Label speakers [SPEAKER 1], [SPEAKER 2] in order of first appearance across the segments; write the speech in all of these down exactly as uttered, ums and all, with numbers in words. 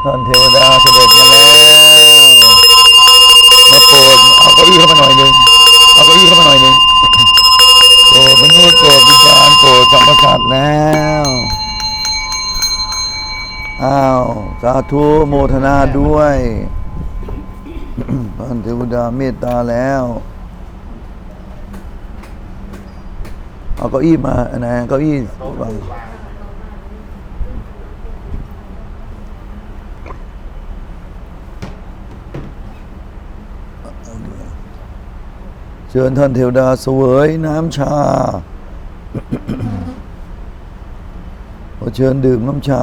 [SPEAKER 1] ท่านเทวดาเสด็จมาแล้วมาโปรดเอาเก้าอี้เข้ามาหน่อยหนึ่งเอาเก้าอี้เข้ามาหน่อยหนึ่งโปรดมนุษย์โปรดวิญญาณโปรดสรรพสัตว์แล้วอ้าวสาธุโมทนาด้วยท่านเทวดาเมตตาแล้วเอาเก้าอี้มาอันไหนเก้าอี้วางเชิญท่านเทวดาเสวยน้ำชาขอเชิญดื่มน้ำชา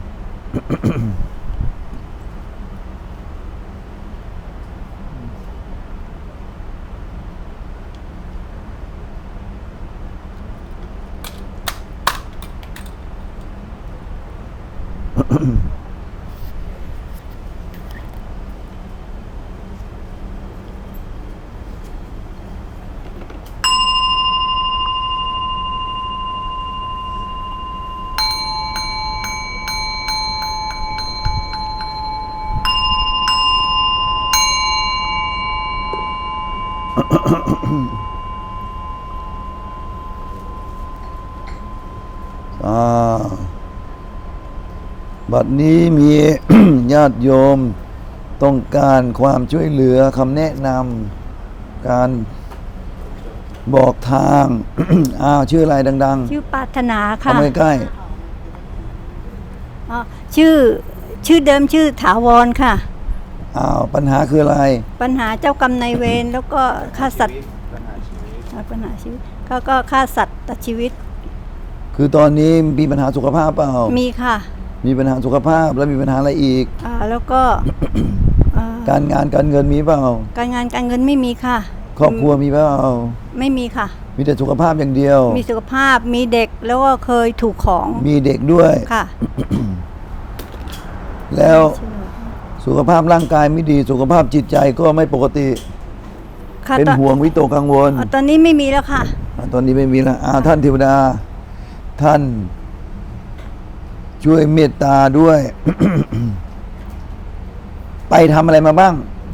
[SPEAKER 1] บัดนี้มี ญาติโยมต้องการความช่วยเหลือคำแนะนำการบอกทาง อ้าวชื่ออะไรดังๆ
[SPEAKER 2] ชื่อปรารถนาค่ะ
[SPEAKER 1] เข้าใกล้
[SPEAKER 2] อ๋อชื่อชื่อเดิมชื่อถาวรค่ะ
[SPEAKER 1] อ้าวปัญหาคืออะไร
[SPEAKER 2] ปัญหาเจ้ากรรมนายเวรแล้วก็ฆ่าสัตว์ปัญหาชีวิตเขาก็ฆ่าสัตว์ตัดชีวิต
[SPEAKER 1] คือตอนนี้มีปัญหาสุขภาพเปล่า
[SPEAKER 2] มีค่ะ
[SPEAKER 1] มีปัญหาสุขภาพแล้วมีปัญหาอะไรอีก
[SPEAKER 2] อ่าแล้วก็
[SPEAKER 1] การงานการเงินมีเปล่า
[SPEAKER 2] การงานการเงินไม่มีค่ะ
[SPEAKER 1] ครอบครัวมีเปล่า
[SPEAKER 2] ไม่มีค่ะ
[SPEAKER 1] มีแต่สุขภาพอย่างเดียว
[SPEAKER 2] มีสุขภาพมีเด็กแล้วก็เคยถูกของ
[SPEAKER 1] มีเด็กด้วย
[SPEAKER 2] ค่ะ
[SPEAKER 1] แล้วสุขภาพร่างกายไม่ดีสุขภาพจิตใจก็ไม่ปกติเป็นห่วงวิตกกังวล
[SPEAKER 2] ตอนนี้ไม่มีแล้วค่ะ
[SPEAKER 1] ตอนนี้ไม่มีแล้วท่านเทวดาท่านช่วยเมตตาด้วย ไปทำอะไรมาบ้าง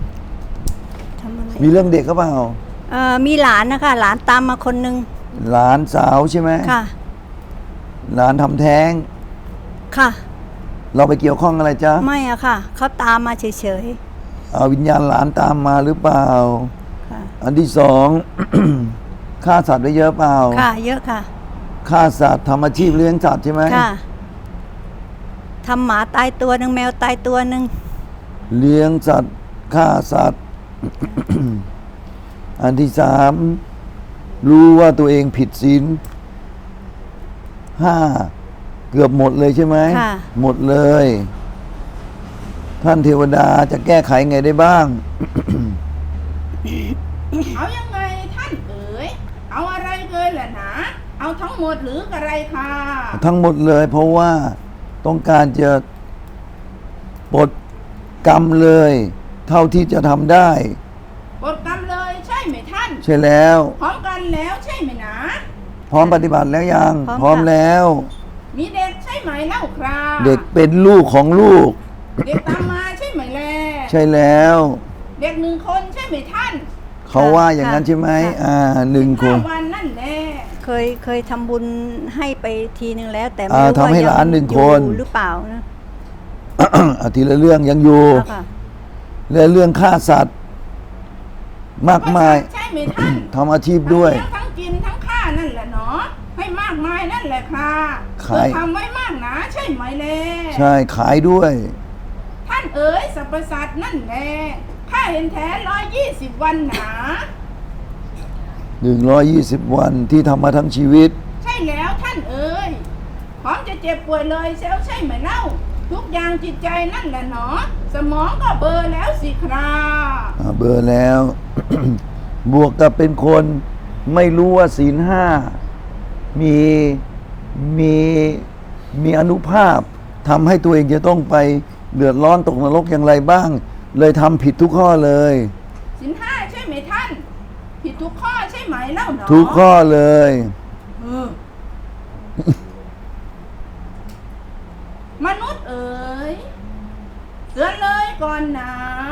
[SPEAKER 1] มีเรื่องเด็กก็เปล่า
[SPEAKER 2] เอ่อมีหลานนะคะหลานตามมาคนนึง
[SPEAKER 1] หลานสาวใช่ไหม
[SPEAKER 2] ค่ะ
[SPEAKER 1] หลานทำแท้ง
[SPEAKER 2] ค่ะ
[SPEAKER 1] เราไปเกี่ยวข้องอะไรจ๊ะ
[SPEAKER 2] ไม่อะค่ะเขาตามมาเฉย
[SPEAKER 1] ๆเอาวิญญาณหลานตามมาหรือเปล่าค่ะอันที่สอง ฆ่าสัตว์ได้เยอะเปล่า
[SPEAKER 2] ค่ะเยอะค่ะ
[SPEAKER 1] ฆ่าสัตว์ทำอาชีพเลี้ยงสัตว์ใช่ไหม
[SPEAKER 2] ค่ะทำหมาตายตัวหนึ่งแมวตายตัวหนึ่ง
[SPEAKER 1] เลี้ยงสัตว์ฆ่าสัตว์ อันที่สามรู้ว่าตัวเองผิดศีลห้าเกือบหมดเลยใช่ไหมหมดเลยท่านเทวดาจะแก้ไขไงได้บ้าง
[SPEAKER 3] เอายังไงท่านเอ๋ยเอาอะไรเลยล่ะนะเอาทั้งหมดหรืออะไรค่ะ
[SPEAKER 1] ทั้งหมดเลยเพราะว่าต้องการจะปลดกรรมเลยเท่าที่จะทำได้
[SPEAKER 3] ปลดกรรมเลยใช่ไหมท่าน
[SPEAKER 1] ใช่แล้ว
[SPEAKER 3] พร้อมกันแล้วใช่ไหมนะ
[SPEAKER 1] พร้อมปฏิบัติแล้วยังพร้อมแล้ว
[SPEAKER 3] มีเด็กใช่ไหมเล่าครับ
[SPEAKER 1] เด็กเป็นลูกของลูก
[SPEAKER 3] เด็กตามมาใช่ไหมแล่
[SPEAKER 1] ใช่แล้ว
[SPEAKER 3] เด็กหนึ่งคนใช่ไหมท่าน
[SPEAKER 1] เขาว่าอย่างนั้นใช่ไหมอ่าหนึ่งคน
[SPEAKER 3] วันนั่นแหละ
[SPEAKER 2] เคยเคยทำบุญให้ไปทีนึงแล้วแต่ไม่รู้ว่า
[SPEAKER 1] ทำให้หลานหนึ่งคน
[SPEAKER 2] หรือเปล่านะ
[SPEAKER 1] อาทีละเรื่องยังอยู่เรื่องเรื่องฆ่าสัตว์มากมาย
[SPEAKER 3] ใช่ไหมท่าน
[SPEAKER 1] ทำอาชีพด้วย
[SPEAKER 3] ทั้งกินทั้งฆ่านั่นแหละเนาะให้มากมายนั่นแหละค่ะ
[SPEAKER 1] ขาย
[SPEAKER 3] ทำไว้มากนะใช่ไหมเล่
[SPEAKER 1] ใช่ขายด้วย
[SPEAKER 3] ท่านเอ๋ยสรรพสัตว์นั่นแหละข้าเห็นแท้ร้อยยี่สิบวันหนา
[SPEAKER 1] หนึ่งร้อยยี่สิบวันที่ทำมาทั้งชีวิต
[SPEAKER 3] ใช่แล้วท่านเอ๋ยพร้อมจะเจ็บป่วยเลยเซลใช่ไหมเล่าทุกอย่างจิตใจนั่นแหละเนาะสมองก็เบอร์แล้วสิครับ
[SPEAKER 1] เบอร์แล้ว บวกกับเป็นคนไม่รู้ว่าศีลห้ามีมีมีอนุภาพทำให้ตัวเองจะต้องไปเดือดร้อนตกนรกอย่างไรบ้างเลยทำผิดทุกข้อเลย
[SPEAKER 3] ศีลห้าใช่ไหมท่านผิดทุกข้อใช่ไหมเล่าเนาะ
[SPEAKER 1] ทุกข้อเลย
[SPEAKER 3] มนุษย์เอ๋ยเตือนเลยก่อนนะ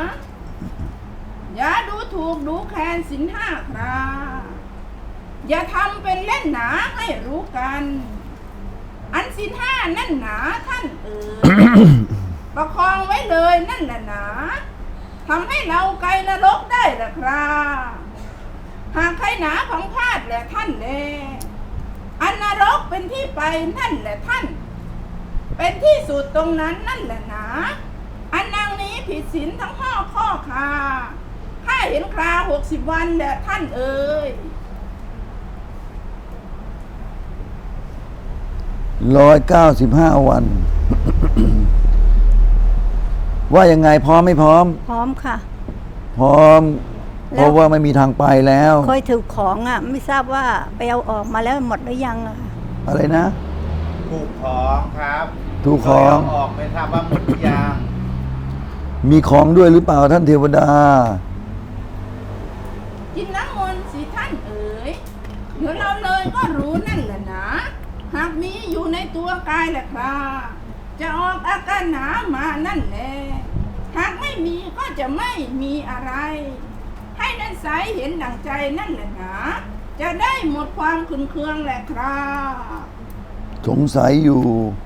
[SPEAKER 3] อย่าดูถูกดูแคลนศีลห้าครับอย่าทำเป็นเล่นหนาให้รู้กัน อันศีลห้านั่นหนาท่านเอ๋ย ประคองไว้เลยนั่นแหละหนาทำให้เราไกลนรกได้ละครับหากใครหนาของพลาดแหละท่านแลอันนรกเป็นที่ไปนั่นแหละท่าน เป็นที่สุดตรงนั้นนั่นแหละหนาอันนางนี้ผิดศีลทั้งห้อข้อคาข้าเห็นคราหกสิบวันแหละท่านเอ๋ย
[SPEAKER 1] ร้อยเก้าสิบห้าวัน ว่ายังไงพร้อมไม่พร้อม
[SPEAKER 2] พร้อมค่ะ
[SPEAKER 1] พร้อม
[SPEAKER 2] แล้ว
[SPEAKER 1] เพราะว่าไม่มีทางไปแล้ว
[SPEAKER 2] เคยถือของอ่ะ ไม่ทราบว่าไปเอาออกมาแล้วหมดหรือยังอะค่ะ
[SPEAKER 1] อะไรนะ
[SPEAKER 4] ถูกของครับ
[SPEAKER 1] ถูกของ
[SPEAKER 4] เคยเาออกไม่ทราบว่าหมดหรือยัง
[SPEAKER 1] มีของด้วยหรือเปล่าท่านเทวดา
[SPEAKER 3] กินน้ำมนต์สิท่านเอ๋ยเดี๋ยวเราเลยก็รู้นั่นแหละนะหากมีอยู่ในตัวกายแหละครับจะออกอาการหนามานั่นแหละหากไม่มีก็จะไม่มีอะไร ให้นั่นใสเห็นดั่งใจนั่นแหละนะจะได้หมดความขุ่นเคืองแหละครับ
[SPEAKER 1] สงสัยอยู่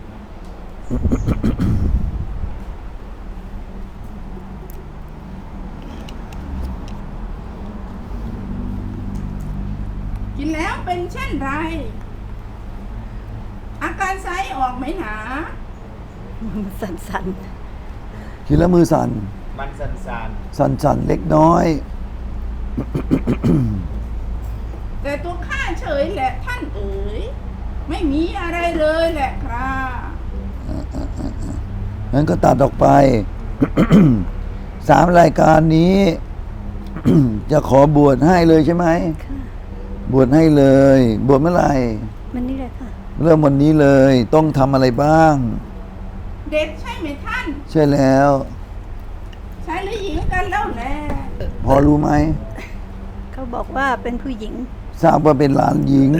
[SPEAKER 3] กินแล้วเป็นเช่นไร อาการไซออกไหมหนา
[SPEAKER 2] สั่น
[SPEAKER 1] คิดแล้วมือสั่น
[SPEAKER 4] มันสันสัน
[SPEAKER 1] สั่นสั่นเล็กน้อย
[SPEAKER 3] แต่ตัวข้าเฉยแหละท่านเอ๋ยไม่มีอะไรเลยแหละครับ
[SPEAKER 1] งั้นก็ตัดออกไป สามรายการนี้ จะขอบวชให้เลยใช่ไหม
[SPEAKER 2] ๆค่ะ
[SPEAKER 1] บวชให้เลย บวชเมื่อไหร่
[SPEAKER 2] มันนี่เลยค่ะ
[SPEAKER 1] เริ่มวันนี้เลย ต้องทำอะไรบ้าง
[SPEAKER 3] เด็กใช่ไหมท่าน
[SPEAKER 1] ใช่แล้ว
[SPEAKER 3] ชายหรือหญิงกันแล้วแหละ
[SPEAKER 1] พอรู้ไหม
[SPEAKER 2] เขาบอกว่าเป็นผู้หญิง
[SPEAKER 1] ทราบว่าเป็นหลานหญิง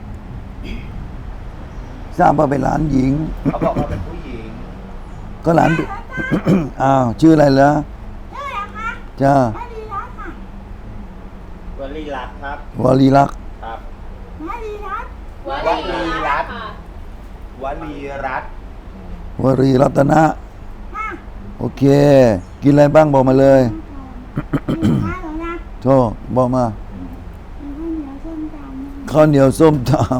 [SPEAKER 1] ทราบว่าเป็นหลานหญิง
[SPEAKER 4] เขาบอกว่าเป็นผู้หญิง
[SPEAKER 1] ก็หลาน อ้าว ชื่ออะไรเหรอ
[SPEAKER 3] ใช่แล้วคะ
[SPEAKER 1] จ้า
[SPEAKER 3] มาดีรัตค่ะ
[SPEAKER 4] วลีรัตน์ครับ
[SPEAKER 1] วลีลักษณ์
[SPEAKER 4] ครับ
[SPEAKER 3] มาดีรัต
[SPEAKER 4] วลีรัตน์วลีรัตน์
[SPEAKER 1] วรีรัตนะ
[SPEAKER 3] ค่ะ
[SPEAKER 1] โอเค กินอะไรบ้างบอกมาเลย
[SPEAKER 3] มีข้าวนะ
[SPEAKER 1] โทษบอกมา
[SPEAKER 3] มีข้าวเหนียวส้มตำ
[SPEAKER 1] ข้าวเหนียวส้มต
[SPEAKER 3] อ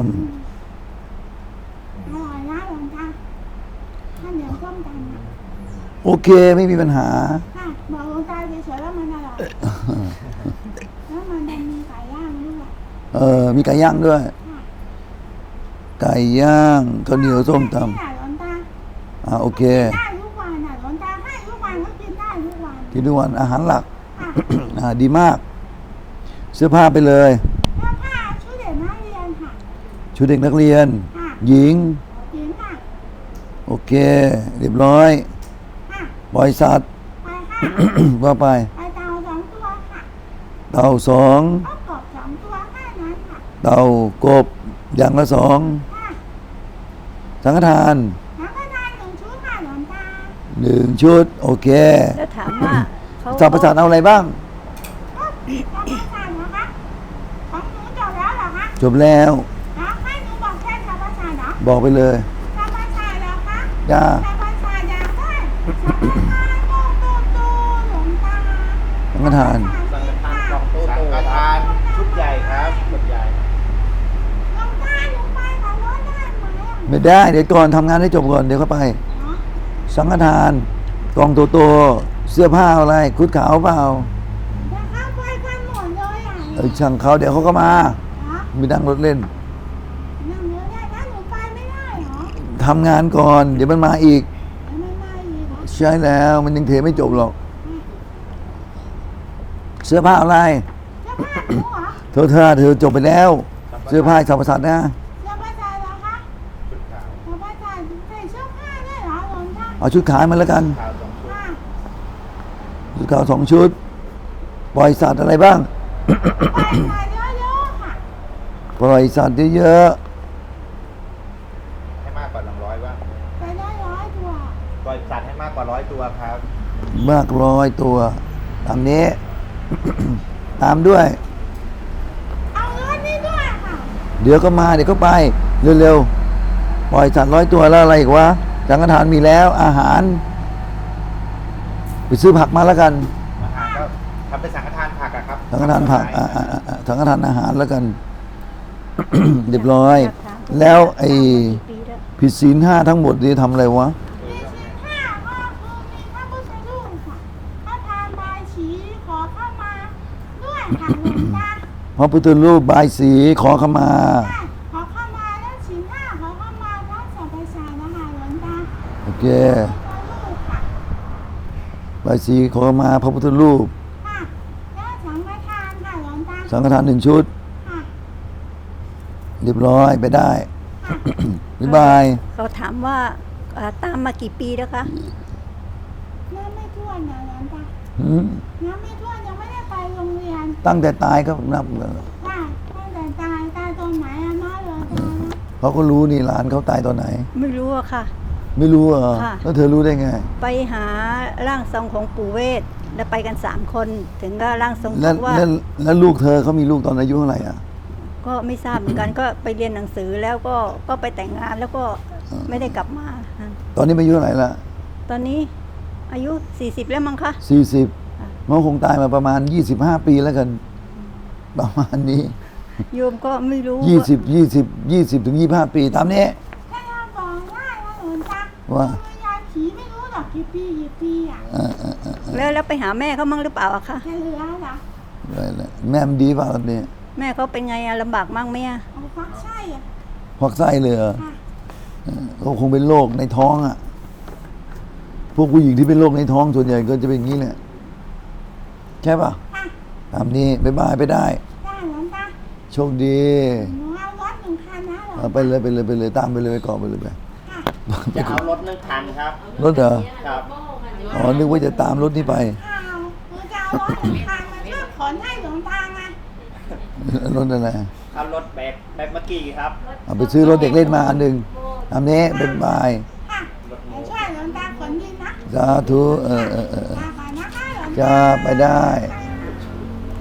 [SPEAKER 3] ร่อยนะหลวงตาข้าวเหนียวส้มตำนะ
[SPEAKER 1] ำโอเค ไม่มีปัญหา
[SPEAKER 3] ค่ะบอกหลวงตาเฉยๆว่ามันอร่อยแล้วมันจะมีไก่ย่างด้วย
[SPEAKER 1] เออ มีไก่ย่างด้วย
[SPEAKER 3] ค่ะ
[SPEAKER 1] ไก่ย่างข้าวเหนียวส้มต
[SPEAKER 3] นี่แหละหลวงตา
[SPEAKER 1] ำอ่าโอเค
[SPEAKER 3] ได้ทุกวันน่ะหลวงตาให้ทุกวันก็กินได้ทุกวัน
[SPEAKER 1] กินทุกวันอาหารหลัก
[SPEAKER 3] ค่ะ
[SPEAKER 1] อ่าดีมาก เสื้อผ้าไปเลย
[SPEAKER 3] แล้วผ้าชุดเด็กนักเรียนค่ะ
[SPEAKER 1] ชุดเด็กนักเรียน
[SPEAKER 3] ค่ะ
[SPEAKER 1] หญิง
[SPEAKER 3] หญิงค่ะ
[SPEAKER 1] โอเค เรียบร้อย
[SPEAKER 3] ค่ะ
[SPEAKER 1] บริษัท
[SPEAKER 3] ไปค่ะ
[SPEAKER 1] ว่าไป
[SPEAKER 3] ไปเตาสองตัวค่ะ
[SPEAKER 1] เต่าสอง
[SPEAKER 3] ก็กบสองตัวแค่นั้นค่ะ
[SPEAKER 1] เต่ากบอย่างละสอง
[SPEAKER 3] ค่ะ
[SPEAKER 1] สังฆทาน
[SPEAKER 3] แล้วก็ได้หนึ่งชุดค่ะหลวงตา
[SPEAKER 1] หนึ่งชุด โอเค
[SPEAKER 2] แล้วถามว่าเขา
[SPEAKER 1] สัพพสัตว์เอาอะไรบ้าง
[SPEAKER 3] ก็จะมาสั่นนะคะของหนูจบแล้วเหรอคะ
[SPEAKER 1] จบแล้ว
[SPEAKER 3] แล้วให้หนูบอกแค่สัพพสัตว์เหรอ
[SPEAKER 1] บอกไปเลย
[SPEAKER 3] สัพพสัตว์เหรอคะ
[SPEAKER 1] จ้า
[SPEAKER 3] สัพพสัตว์อยากได้สัพพสัตว์โตโตโตหลวงตา
[SPEAKER 1] สังฆทาน
[SPEAKER 4] สังฆทานกล่องโตสังฆทานชุดใหญ่ครับชุดใหญ่
[SPEAKER 3] หลวงตาหนูไปกับรถได้ไหมอ่ะ
[SPEAKER 1] ไม่ได้ เดี๋ยวก่อนทำงานให้จบก่อน เดี๋ยวเข้าไป
[SPEAKER 3] เนาะ
[SPEAKER 1] สังฆทานกองโตๆเสื้อผ้าอะไร คุดขาวเปล่า
[SPEAKER 3] แล้วเข้าไปกันหมดเลยอ่ะ
[SPEAKER 1] เออช่างเขาเดี๋ยวเขาก็มา
[SPEAKER 3] เนาะ
[SPEAKER 1] ไม่นั่งรถเล่น
[SPEAKER 3] นั่งเรือได้ถ้าหนูไปไม่ได้เหรอ
[SPEAKER 1] ทำงานก่อน เดี๋ยวมันมาอีก
[SPEAKER 3] แล้วไม่มาอีกเหรอ
[SPEAKER 1] ใช่แล้วมันยังเทไม่จบหรอก เสื้อผ้าอะไร
[SPEAKER 3] เสื้อผ้าหนูเหรอ
[SPEAKER 1] เธอเธอเธอจบไปแล้ว เสื้อผ้าสัพพสัตว์นะ
[SPEAKER 3] เสื้อผ้าใจเหรอคะ
[SPEAKER 4] ชุดขาว
[SPEAKER 3] เสื้อผ้าใจใส่เสื้อผ้าได้เหรอหลวงตา
[SPEAKER 1] เอาชุดขายมาแล้วกัน
[SPEAKER 4] ขาวสองชุด
[SPEAKER 3] ค่ะ
[SPEAKER 1] ชุดขาวสองชุด ปล่อยสัตว์อะไรบ้าง
[SPEAKER 3] ไปใส่เยอะๆค่ะ
[SPEAKER 1] ปล่อยสัตว์เยอะ
[SPEAKER 4] ให้มากกว่าหนึ่งร้อยบ้าง
[SPEAKER 3] ไปได้ร้อยตัว
[SPEAKER 4] ปล่อยสัตว์ให้มากกว่าร้อยตัวครับ
[SPEAKER 1] มากร้อยตัว ตามนี้ ตามด้วย
[SPEAKER 3] เอารถนี่ด้วยค่ะ
[SPEAKER 1] เดี๋ยวก็มาเดี๋ยวก็ไป เร็วๆ ปล่อยสัตว์ร้อยตัวแล้วอะไรอีกวะสังฆทานมีแล้ว อาหาร ไปซื้อผักมาแล้วกัน
[SPEAKER 4] อาหารก็ทำเป็นสังฆทานผักอะครับ
[SPEAKER 1] สังฆทานผักอ่าอ่าอ่าสังฆทานอาหารแล้วกัน เรียบร้อย แล้วไอ้ผิดศีลห้าทั้งหมดนี่ทำอะไรวะ
[SPEAKER 3] มีสินห้าก็คือมีพระพุทธรูปค่ะพระทานบายสีขอเข้ามาด้วยค่ะหลวงตา
[SPEAKER 1] พระพุทธรูปบายสีขอขมา
[SPEAKER 3] ค่ะขอเข้ามาแล้วสินห้าขอเข้ามาทั้งสรรพสัตว์นะคะหลวงตา
[SPEAKER 1] โอเค
[SPEAKER 3] พระพุทธรูปค่ะ
[SPEAKER 1] บายสีขอขมาพระพุทธรูป
[SPEAKER 3] ค่ะแล้วสังฆทานค่ะหลวงตา
[SPEAKER 1] สังฆทานหนึ่งชุด
[SPEAKER 3] ค่ะ
[SPEAKER 1] เรียบร้อยไปได้
[SPEAKER 3] ค่ะ
[SPEAKER 1] บ๊ายบาย
[SPEAKER 2] เขาถามว่าเอ่อตามมากี่ปีแล้วคะ
[SPEAKER 3] น้ำไม่ท่วนนะหลวงตา
[SPEAKER 1] หืม
[SPEAKER 3] น้ำไม่ท่วนยังไม่ได้ไปโรงเรียน
[SPEAKER 1] ตั้งแต่ตายก็นับ
[SPEAKER 3] ค่ะตั้งแต่ตายตายตรงไหนอะเนาะหลวงตาเนาะ
[SPEAKER 1] เขาก็รู้นี่หลานเขาตายตอนไหน
[SPEAKER 2] ไม่รู้อะค่ะ
[SPEAKER 1] ไม่รู้เหรอ
[SPEAKER 2] ค่ะ
[SPEAKER 1] แล้วเธอรู้ได้ไง
[SPEAKER 2] ไปหาร่างทรงของปู่เวทแล้วไปกันสามคน ถึงก็ร่างทรง
[SPEAKER 1] แล้ว
[SPEAKER 2] บอกว่า
[SPEAKER 1] แล้วแล้วลูกเธอเขามีลูกตอนอายุเท่าไหร่อ่ะ
[SPEAKER 2] ก็ไม่ทราบเหมือนกัน ก็ไปเรียนหนังสือแล้วก็ก็ไปแต่งงานแล้วก็ไม่ได้กลับมาค่ะ
[SPEAKER 1] ตอนนี้อายุเท่าไหร่ละ
[SPEAKER 2] ตอนนี้อายุสี่สิบแล้วมั้งคะ
[SPEAKER 1] สี่สิบ
[SPEAKER 2] ค่ะ
[SPEAKER 1] มันคงตายมาประมาณยี่สิบห้าปีแล้วกัน ประมาณนี้
[SPEAKER 2] โยมก็ไม่รู้
[SPEAKER 1] ยี่สิบยี่สิบยี่สิบถึงยี่ห้าปีตามนี้
[SPEAKER 3] ถ้าเราบอกได้นะหลวงตา
[SPEAKER 1] ว่า
[SPEAKER 3] วิญญาณผีไม่รู้หรอกกี่ปีกี่ปีอ่ะ
[SPEAKER 1] เออเออเออเออ
[SPEAKER 2] แล้วแล้วไปหาแม่เขามั่งหรือเปล่าอะคะ
[SPEAKER 3] จะเหลือเหรอ
[SPEAKER 1] ได้แล้วแม่มันดีเปล่าตอนนี้
[SPEAKER 2] แม่เขาเป็นไงอะลำบากมั่งไหมอะ
[SPEAKER 3] เอาฟักไส้อ่ะ
[SPEAKER 1] ควักไส้เลยเหรอ
[SPEAKER 3] ค่ะ
[SPEAKER 1] เออเขาคงเป็นโรคในท้องอ่ะ พวกผู้หญิงที่เป็นโรคในท้องส่วนใหญ่ก็จะเป็นอย่างนี้แหละใช่ป่ะ
[SPEAKER 3] ค่ะ
[SPEAKER 1] ตามนี้บ๊ายบายไปได้
[SPEAKER 3] ได้หลวงตา
[SPEAKER 1] โชคดี
[SPEAKER 3] หนูเอารถหนึ่งคันนะหลวง
[SPEAKER 1] เอาไปเลยไปเลยไปเลยตามไปเลยไปก่อนไปเลยไป
[SPEAKER 3] ค่ะ
[SPEAKER 4] จะเอารถนึ่งคันครับ
[SPEAKER 1] รถเหรอ
[SPEAKER 4] ครับ
[SPEAKER 1] อ๋อนึกว่าจะตามรถนี้ไป
[SPEAKER 3] ข้าวหนูจะเอารถหนึ่งคันมาช่วยขนให้หลวงตาไง
[SPEAKER 1] รถอะไร
[SPEAKER 4] เอารถแบบแบบเมื่อกี้ครับ
[SPEAKER 1] เอาไปซื้อรถเด็กเล่นมาอันหนึ่งตามนี้บ๊ายบาย
[SPEAKER 3] ค่ะเดี๋ยวช่วยหลวงตาขนดินนะ
[SPEAKER 1] สาธุเออเออเออ
[SPEAKER 3] ลาก่อนนะคะหลวงตา
[SPEAKER 1] จะไปได้
[SPEAKER 3] ค่ะ